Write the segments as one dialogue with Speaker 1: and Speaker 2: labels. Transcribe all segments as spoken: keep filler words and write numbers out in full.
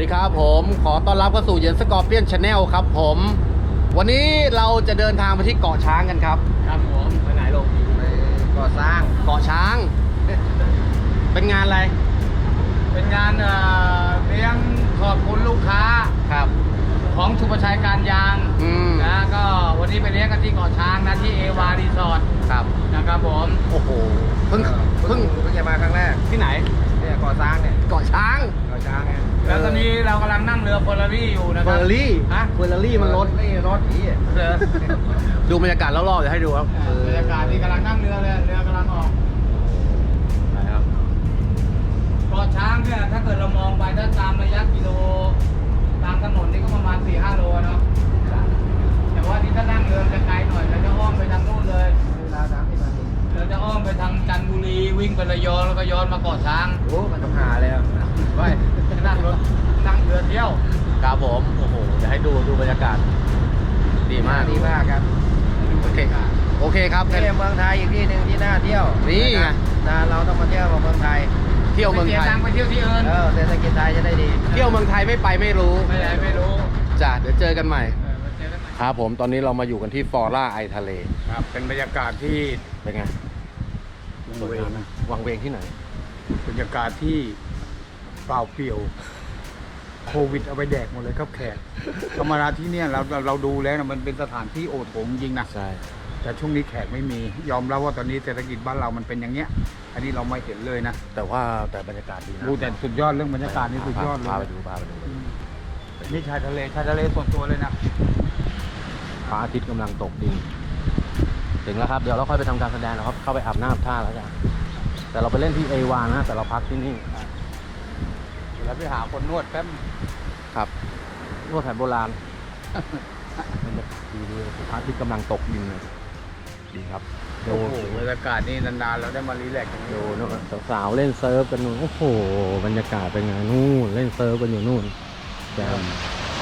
Speaker 1: ดีครับผมขอต้อนรับเข้าสู่เย็นสกอร์เปียนชาแนลครับผมวันนี้เราจะเดินทางไปที่เกาะช้างกันครับครับผมไปไหนลงไปเกาะช้างเกาะช้างเป็นงานอะไร
Speaker 2: เป็นงานเลี้ยงขอบคุณลูกค้า
Speaker 1: ครับ
Speaker 2: ของสุภชัยการยางนะก็วันนี้ไปเลี้ยงกันที่เกาะช้างนะที่เอวารีสอร์ท
Speaker 1: ครับ
Speaker 2: นะครับผม
Speaker 1: โอ้โหเพิ่งเพิ่ง
Speaker 2: เพิ่งจะมาครั้งแรก
Speaker 1: ที่ไหน
Speaker 2: เนี่ยเกาะช้างเนี่ย
Speaker 1: เกาะช้าง
Speaker 2: เกาะช้างเนี่ยแล้วตอนนี้เรากำลังนั่งเรือเฟอร์รารี่อยู่นะครับ
Speaker 1: เฟอร์รารี่
Speaker 2: ฮะ
Speaker 1: เฟอร์รารี่มันรถ
Speaker 2: นี่รถผี
Speaker 1: ดูบรรยากาศรอบๆเดี๋ยวให้ดูครับ
Speaker 2: บรรยากาศที่กำลังนั่งเรือเลยเรือกำลังออก
Speaker 1: นะครับ
Speaker 2: เกาะช้างเนี่ยถ้าเกิดเรามองไปถ้าตามระยะกิโลตามถนนนี่ก็ประมาณ สี่ห้า โลเนาะแต่ว่าที่ถ้านั่งเรือจะไกลหน่อยเราจะอ้อมไปทางนู้นเลยเวลาสามสิบนาทีเราจะอ้อมไปทางจันทบุรีวิ่งไประยองแล้วก็ย้อนมาเกาะช้าง
Speaker 1: โอ้มันต้องหาเลยครับ
Speaker 2: ไปนั่งรถนั่งเรือเที่ยว
Speaker 1: ครับผมโอ้โหจะให้ดูดูบรรยากาศดีมาก
Speaker 2: ดีมากครับ
Speaker 1: โอเคโอเคครับ
Speaker 2: ที่เมืองไทยอีกที่หนึ่งที่น่าเที่ยว
Speaker 1: นี่ไง
Speaker 2: เราต้องมาเที่ยวเมืองไทย
Speaker 1: เที่ยวเมืองไทย
Speaker 2: ไปเที่ยวที่อื่นเออเศรษฐกิจไทยจะได้ดี
Speaker 1: เที่ยวเมืองไทยไม่ไปไม่รู้
Speaker 2: ไม่ไหนไม่รู้
Speaker 1: จ้ะเดี๋ยวเจอกันใหม่ครับผมตอนนี้เรามาอยู่กันที่ฟอร่าไอทะเล
Speaker 2: ครับเป็นบรรยากาศที่
Speaker 1: เป็นไงวังเวงวังเวงที่ไหน
Speaker 2: บรรยากาศที่เปล่าเปลี่ยวโควิดเอาไปแดกหมดเลยครับแขกธรรมดาที่เนี่ยเราเราดูแล้วนะมันเป็นสถานที่โอโถงจริงนะ
Speaker 1: ใช่
Speaker 2: แต่ช่วงนี้แขกไม่มียอมรับว่าตอนนี้เศรษฐกิจบ้านเรามันเป็นอย่างเงี้ยอันนี้เราไม่เห็นเลยนะ
Speaker 1: แต่ว่าแต่บรรยากาศดีนะ
Speaker 2: ดูแต่สุดยอดเรื่องบรรยากาศนี่สุดยอดเลย
Speaker 1: พาไปดูพาไปดู
Speaker 2: นี่ชายทะเลชายทะเลส่วนตัวเลยนะ
Speaker 1: พระอาทิตย์กำลังตกดินถึงแล้วครับเดี๋ยวเราค่อยไปทำการแสดงนะครับเข้าไปอาบน้ำท่าแล้วกันแต่เราไปเล่นที่เอวานะแต่เราพักที่นี่
Speaker 2: แล้วไปหาคนนวดแป๊บ
Speaker 1: ครับนวดแผนโบราณมันจะดีดีพระอาทิตย์กำลังตกดินเลยดีครับ
Speaker 2: โอ้โหบรรยากาศนี่นานๆเราได้มารีแลกซ์กัน
Speaker 1: ดูนู่นสาวๆเล่นเซิร์ฟกันนู่นโอ้โหบรรยากาศเป็นไงนู่นเล่นเซิร์ฟกันอยู่นู่นแจ่ม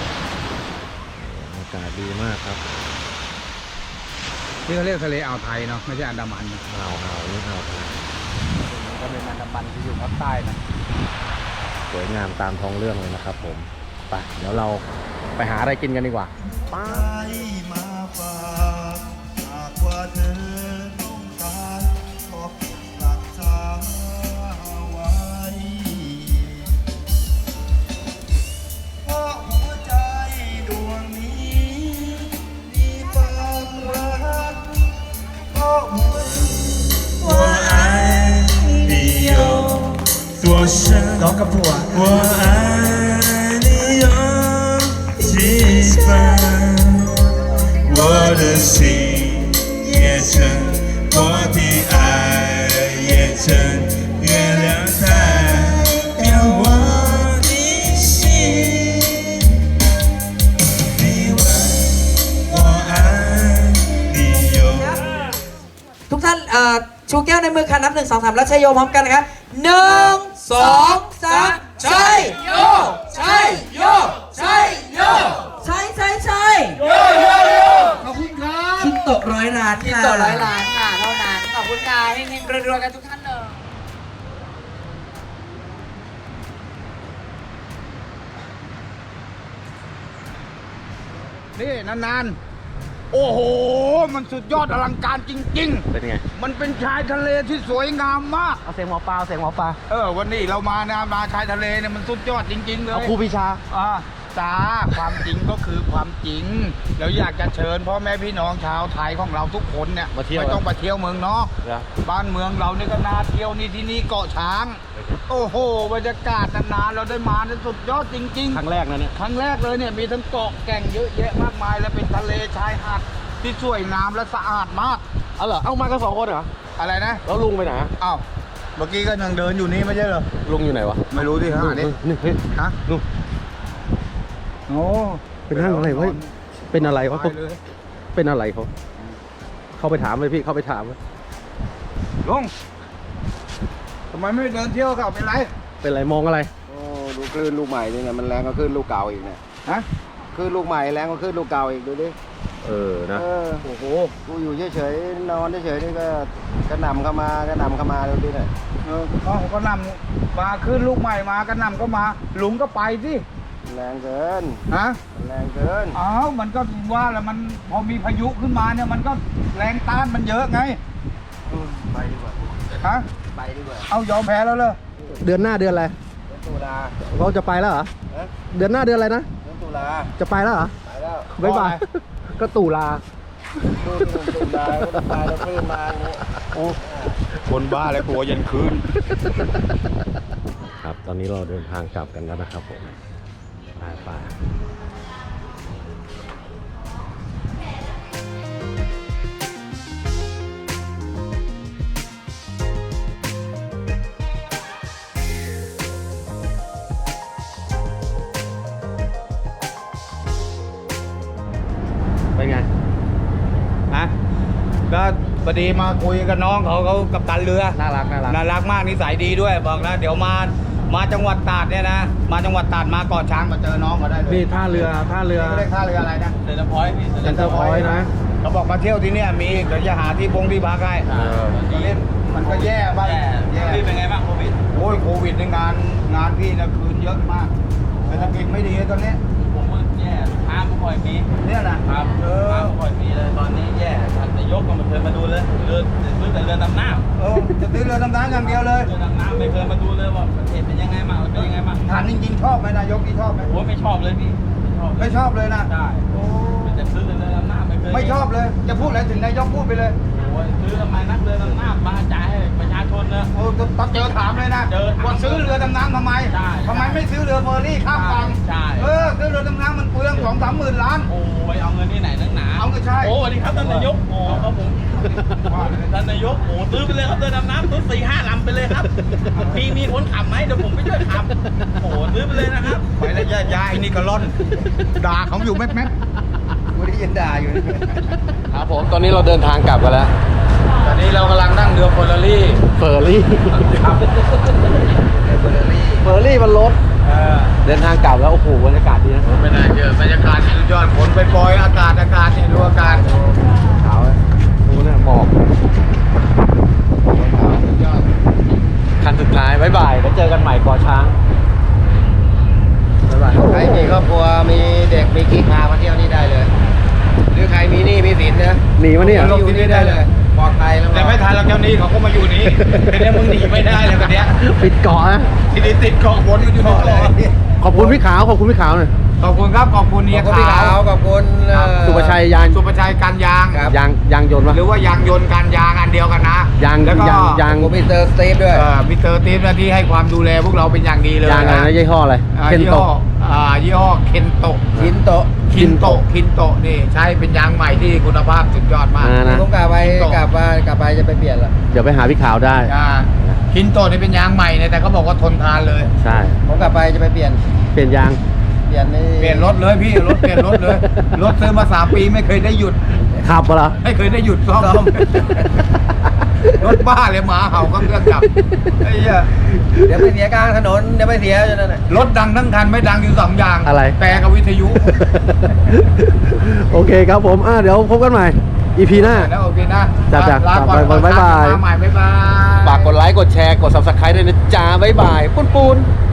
Speaker 1: อากาศดีมากครับ
Speaker 2: ที่เขาเรียกทะเลอ่าวไทยเนาะไม่ใช่อันดามัน
Speaker 1: อ่าวอ่าวนี่อ่าวไทย
Speaker 2: ก็เป็นอันดามันที่อยู่ภาคใต้นะ
Speaker 1: สวยงามตามท้องเรื่องเลยนะครับผมไปเดี๋ยวเราไปหาอะไรกินกันดีกว่าไปมาฝากหากว่าเธอต้องการขอรักษาไว้เพราะหัวใจดวงนี้มีความรักเพราะหัว
Speaker 3: 我爱你有多深
Speaker 2: ร้องกับผัว
Speaker 3: 我爱你有几分我的心也真我的爱也真月亮代表我的心你问我爱你有
Speaker 4: ทุกท่านชูแก้วในมือค่ะนับหนึ่งสองสามแล้วชัยโยพร้อมกันนะครับหนึ่งสองสามชัยโยชัยโยชัยโยชัยชัยชัยโยโยโย
Speaker 2: ขอบคุณครับ
Speaker 4: คิดตกร้อยล้าน
Speaker 5: คิดตกร้อยล้านค่ะเท่านั้นขอบคุณค่ะเฮงๆรวยๆกันทุกท่านเลย
Speaker 2: นี่นานๆโอ้โหมันสุดยอดอลังการจริงๆ
Speaker 1: เป็นไง
Speaker 2: มันเป็นชายทะเลที่สวยงามมาก
Speaker 1: เอาเสียงหมอปลาเสียงหมอปลา
Speaker 2: เออวันนี้เรามานะมาชายทะเลเนี่ยมันสุดยอดจริงๆเลย
Speaker 1: เอาครูพิชา
Speaker 2: อ่าจ้าความจริงก็คือความจริงแล้วอยากจะเชิญพ่อแม่พี่น้องชาวไทยของเราทุกคนเนี่ยไม่ต้องไปเที่ยวเมืองนอกบ้านเมืองเรานี่ก็น่าเที่ยวนี่ที่นี่เกาะช้างโอ้โหบรรยากาศนานๆเราได้มาเนี่ยสุดยอดจริงๆ
Speaker 1: ครั้งแรกนะเนี่ย
Speaker 2: ครั้งแรกเลยเนี่ยมีทั้งเกาะแก่งเยอะแยะมากมายและเป็นทะเลชายหาดที่สวยงามและสะอาดมาก
Speaker 1: เอาเหรอเอามากันสองคนเหรอ
Speaker 2: อะไรนะ
Speaker 1: แล้วลุงไปไหน
Speaker 2: อ้าวเมื่อกี้ก็ยังเดินอยู่นี่ไม่ใช่เหรอ
Speaker 1: ลุงอยู่ไหนวะ
Speaker 2: ไม่รู้ที่ฮะนี่
Speaker 1: นี่เฮ้ย
Speaker 2: ฮะ
Speaker 1: ลุง
Speaker 2: โอ้
Speaker 1: เป็นนั่งอะไรวะเป็นอะไรวะเป็นอะไรเขาเข้าไปถามเลยพี่เข้าไปถามเลย
Speaker 2: ลุงทำไมไม่เดินเที่ยวกับเป็นไร
Speaker 1: เป็นไรมองอะไร
Speaker 6: โอ้ดูคลื่นลูกใหม่นี่ไงมันแรงก็คลื่นลูกเก่าอีกเนี่ย
Speaker 2: ฮะ
Speaker 6: คลื่นลูกใหม่แรงก็คลื่นลูกเก่าอีกดูดิ
Speaker 1: เออนะ
Speaker 6: โอ้โหกูอยู่เฉยๆนอนเฉยๆนี่ก็กระหน่ำเข้ามากระหน่ำเข้ามาดูดิเนี่ย
Speaker 2: เออเขาก็นำมาขึ้นลูกใหม่มากระหน่ำก็มาลุงก็ไปสิ
Speaker 6: แรงเกิน
Speaker 2: ฮะ
Speaker 6: มันแรงเกิน
Speaker 2: อ้าวมันก็ว่าแล้วมันพอมีพายุขึ้นมาเนี่ยมันก็แรงต้านมันเยอะไง
Speaker 6: ไปดีกว่า
Speaker 2: ฮะ
Speaker 6: ไปดีกว่า
Speaker 2: เอายอมแพ้แล้วเลย
Speaker 1: เดือนหน้าเดือนอะไร
Speaker 6: เดือนตุลา
Speaker 1: เราจะไปแล้วเหรอ
Speaker 6: เอ๊ะ
Speaker 1: เดือนหน้าเดือนอะไรนะ
Speaker 6: เดือนตุลา
Speaker 1: จะไปแล้วเหรอ
Speaker 6: ไปแล้ว
Speaker 1: บ๊ายบาย ก็ตู่ลา
Speaker 6: ดูที่ผมตุลาก็ตายแล้วขึ้นมาอย่างนี้
Speaker 2: คนบ้าเลยกลัวยันคืน
Speaker 1: ครับ ตอนนี้เราเดินทางกลับกันแล้วนะครับผมไปไปเป็นไง
Speaker 2: ฮะก็พอดีมาคุยกับน้องเขาเขากับตันเรือ
Speaker 1: น่ารักน่ารัก
Speaker 2: น่ารักมากนิสัยดีด้วยบอกนะเดี๋ยวมามาจังหวัดตราดเนี่ยนะมาจังหวัดตราดมาเกาะช้างมาเจอน้องเขาได้เลย
Speaker 1: นี่ท่าเรือท่าเรือ
Speaker 2: นี่เรียกท่าเรืออะไรนะเซนเตอร์พอยต์พี่
Speaker 1: เซ็นเตอร์พอยต์นะ
Speaker 2: เขาบอกมาเที่ยวที่เนี่ยมีเดี๋ยวจะหาที่พงที่พักให้
Speaker 1: เออ
Speaker 2: ตอนนี้มันก็แย่บ้างแย่พี่เป็นไงบ้างโควิดโอ้ยโควิดในงานงานพี่นะคืนเยอะมากเศรษฐกิจไม่ดีตอนนี้
Speaker 7: ผมว่าแย่ห้ามปล่อยมี
Speaker 2: เนี่ยนะครับ เออ
Speaker 7: ห้ามปล่อยมีเลยตอนนี้แย่ท่านนายกก็ไม่เคยมาดูเลยเรือซื้อแต่เรือดำน้ำ
Speaker 2: เออจะซื้อเรือดำน้ำอย่างเดียวเลย
Speaker 7: เรือดำน้ำไม่เคยมาดูเลยว่าประเทศเป็นยังไงบ้างเป็นยังไงบ้าง
Speaker 2: ถามจริงๆชอบไหมนายกที่ชอบไหม
Speaker 7: โอ้ไม่ชอบเลยพี่ไม่ชอบ
Speaker 2: ไม่ชอบเลยนะ
Speaker 7: ได้
Speaker 2: โอ้
Speaker 7: เป็นแต่ซื้อแต่เรือดำน้ำไม่เคย
Speaker 2: ไม่ชอบเลย จะพูดอะไรถึงนายกพูดไปเลย
Speaker 7: โอ้ยซื้อทำไมนักเรือดำน้ำมาจ่ายให้ประชาชนเนอะ
Speaker 2: โอ้ต้องเจอถามเลยนะ
Speaker 7: เจอถาม
Speaker 2: ว่าซื้อเรือดำน้ำทำไม
Speaker 7: ใช่
Speaker 2: ทำไมไม่ซื้อเรือเฟอร์รี่ข้ามฝั่ง
Speaker 7: ใช่
Speaker 2: เออซื้อเรือดำน้ำมันเปลืองสองสามหมื่นล้าน
Speaker 7: โอ้ยเอาเงินที่ไหนนักหนา
Speaker 2: เอาก็ใช่
Speaker 7: โอ้สวัสดีครับท่านนายกโอ้ครับผมท่านนายกโอ้ซื้อไปเลยครับเรือดำน้ำซื้อสี่ห้าลำไปเลยครับมีมีคนขับไหมเดี๋ยวผมไปช่วยขับโอ้ซื้อไปเลยนะครับ
Speaker 2: ไปแล้วยายๆนี่ก็ร่อนด่าเขาอยู่แม่
Speaker 6: กูได้ยินด่าอยู่
Speaker 1: ครับผม ตอนนี้เราเดินทางกลับกันแล้ว
Speaker 2: ๆตอนนี้เรากำลังนั่งเรือเฟอร์รารี่
Speaker 1: เฟอร์รี่
Speaker 2: ครับ
Speaker 1: เฟอร์รี่มันรถ
Speaker 2: เออ
Speaker 1: เดินทางกลับแล้ว โอ้โหบรรยากาศดีนะ
Speaker 2: ไม่น่าเชื่อบรรยากาศสุดยอดฝนไปปล่อยๆอากาศอากาศนี่ดูอากาศ
Speaker 1: ขาวเลยดูเนี่ยหมอก
Speaker 2: สุดยอด
Speaker 1: คันสุดท้ายบ๊ายบายแล้วเจอกันใหม่เกาะช้างบ๊ายบาย
Speaker 6: ใครมีครอบครัวมีเด็กมีกิ๊กพามาเที่ยวนี่ได้เลย หรือใครมีหนี้มีสินนะ
Speaker 1: หนีมาเนี่ย
Speaker 6: อยู่ที่นี่ได้เลยปลอดภัยแล้ว
Speaker 2: แต่ไม่ทันแล้วเจ้านี้เขาก็มาอยู่นี้ทีนี้มึงหนีไม่ได้เลยวันเนี้ย
Speaker 1: ปิดเกาะนะ
Speaker 2: ทีนี้ติดเกาะบนอยู่ที่เกาะเลย
Speaker 1: ขอบคุณพี่ขาว ขอบคุณพี่ขาวหน่อย
Speaker 2: ขอบคุณครับขอบคุณ
Speaker 6: ข
Speaker 2: เนี
Speaker 6: อย บคุณพี่
Speaker 2: ขา
Speaker 6: ขาว วขอบคุณเอ่อ
Speaker 1: สุประชัยยาน
Speaker 2: สุประชัยการยาง
Speaker 6: ครับ
Speaker 1: ยางยางยนต์ปะ
Speaker 2: หรือว่ายางยนต์การยางอันเดียวกันนะ
Speaker 1: ยาง
Speaker 2: แล้วก็
Speaker 1: ยางยาง
Speaker 6: ขอบคุณมิสเตอร์สตีฟด้วย
Speaker 2: เอ่อมิสเตอร์ตีฟนะที่ให้ความดูแลพวกเราเป็นอย่างดีเลย
Speaker 1: ยางอะไรนะยี่ห้ออะไร
Speaker 2: อ่า
Speaker 1: เคน
Speaker 2: ยี่
Speaker 1: โต
Speaker 2: ห้ออ่ายี่ห้อเคนโต
Speaker 6: ชินโตะ
Speaker 2: คินโตคินโตนี่ใช้เป็นยางใหม่ที่คุณภาพสุดยอดมาก
Speaker 1: อ่านะ
Speaker 6: ผมกลับไป
Speaker 2: ชินโตะ
Speaker 6: กลับมากลับไปจะไปเปลี่ยนละ
Speaker 1: เดี๋ยวไปหาพี่ขาวได้
Speaker 2: อ่าคินโตนี่เป็นยางใหม่เนี่ยแต่เขาบอกว่าทนทานเลย
Speaker 1: ใช่
Speaker 6: ผมกลับไปจะไปเปลี่ยน
Speaker 1: เปลี่ยนยาง
Speaker 6: เปลี่ยนนี่
Speaker 2: เปลี่ยนรถเลยพี่รถเปลี่ยนรถเลยรถซื้อมาสามปีไม่เคยได้หยุด
Speaker 1: ขับปะเหรอ
Speaker 2: ไม่เคยได้หยุดซ่อม รถบ้าเลยหมาเห่าก็เครื่องดับไอ้เหี้ย
Speaker 6: เดี๋ยวไปเสียกลางถนนเดี๋ยวไปเสียจนนั่นแหละ
Speaker 2: รถดังทั้งคันไม่ดังอยู่สองอย่าง
Speaker 1: อะไร
Speaker 2: แต่กับวิทยุ
Speaker 1: โอเคครับผมอ่ะเดี๋ยวพบกันใหม่ อี พี หน้า
Speaker 2: แล้วโอเคนะ
Speaker 1: จ้ะจ้ะ
Speaker 2: ลาก่อน
Speaker 1: บ๊ายบาย
Speaker 2: มาใหม่บ๊ายบาย
Speaker 1: ฝากกดไลค์ กดแชร์ กด ซับสไครบ์ ด้วยนะจ๊ะบ๊ายบาย ปุ้นปูน